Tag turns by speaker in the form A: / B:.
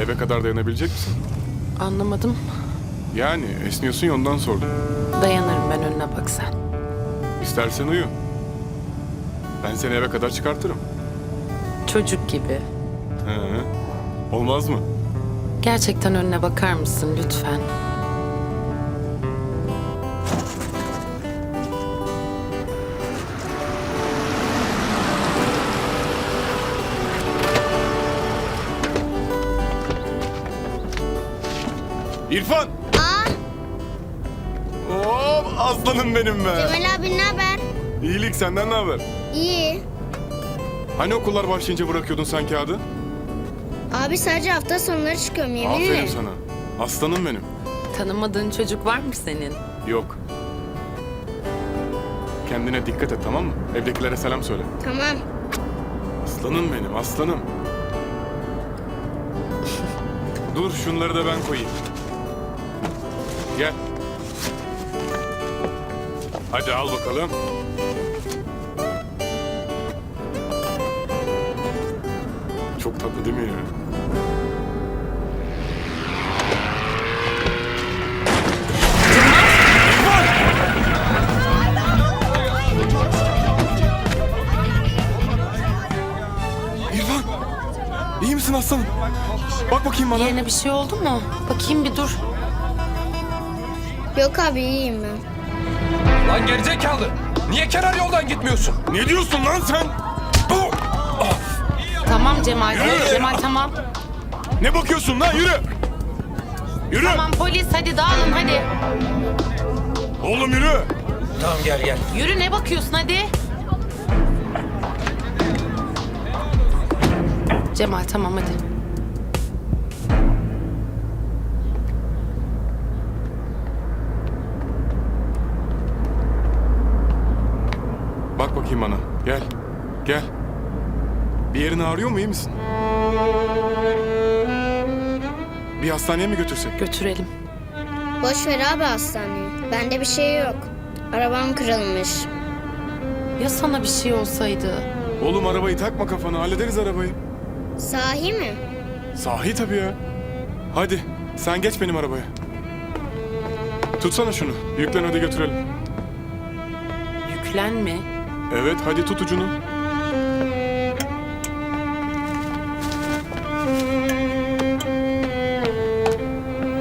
A: Eve kadar dayanabilecek misin?
B: Anlamadım.
A: Yani esniyorsun ya ondan sordum.
B: Dayanırım ben, önüne bak sen.
A: İstersen uyu. Ben seni eve kadar çıkartırım.
B: Çocuk gibi.
A: He. Olmaz mı?
B: Gerçekten önüne bakar mısın lütfen?
A: İrfan! Oo, aslanım benim be.
C: Cemal abi ne haber?
A: İyilik, senden ne haber?
C: İyi.
A: Hani okullar başlayınca bırakıyordun sen kağıdı?
C: Abi sadece hafta sonları çıkıyorum yemin
A: Aferin
C: ederim.
A: sana. Aslanım benim.
B: Tanımadığın çocuk var mı senin?
A: Yok. Kendine dikkat et, tamam mı? Evdekilere selam söyle.
C: Tamam.
A: Aslanım benim, aslanım. Dur, şunları da ben koyayım. Gel. Hadi al bakalım. Çok tatlı değil mi ya? İrfan! İyi misin aslanım? Bak bakayım bana.
B: Yerine bir şey oldu mu? Bakayım bir dur.
C: Yok abi iyiyim ben.
D: Lan gerizekalı! Niye kenar yoldan gitmiyorsun?
A: Ne diyorsun lan sen? Oh!
B: Tamam Cemal. Cemal tamam.
A: Ne bakıyorsun lan? Yürü! Yürü!
B: Tamam polis, hadi dağılın hadi.
A: Oğlum yürü!
D: Tamam gel.
B: Yürü, ne bakıyorsun hadi. Cemal tamam hadi.
A: Bak bakayım bana. Gel. Gel. Bir yerin ağrıyor mu? İyi misin? Bir hastaneye mi götürsek?
B: Götürelim.
C: Boş ver abi hastaneyi. Bende bir şey yok. Arabam kırılmış.
B: Ya sana bir şey olsaydı?
A: Oğlum arabayı takma kafana. Hallederiz arabayı.
C: Sahi mi?
A: Sahi tabii ya. Hadi sen geç benim arabaya. Tutsana şunu. Yüklen hadi götürelim.
B: Yüklenme.
A: Evet hadi tut ucunu.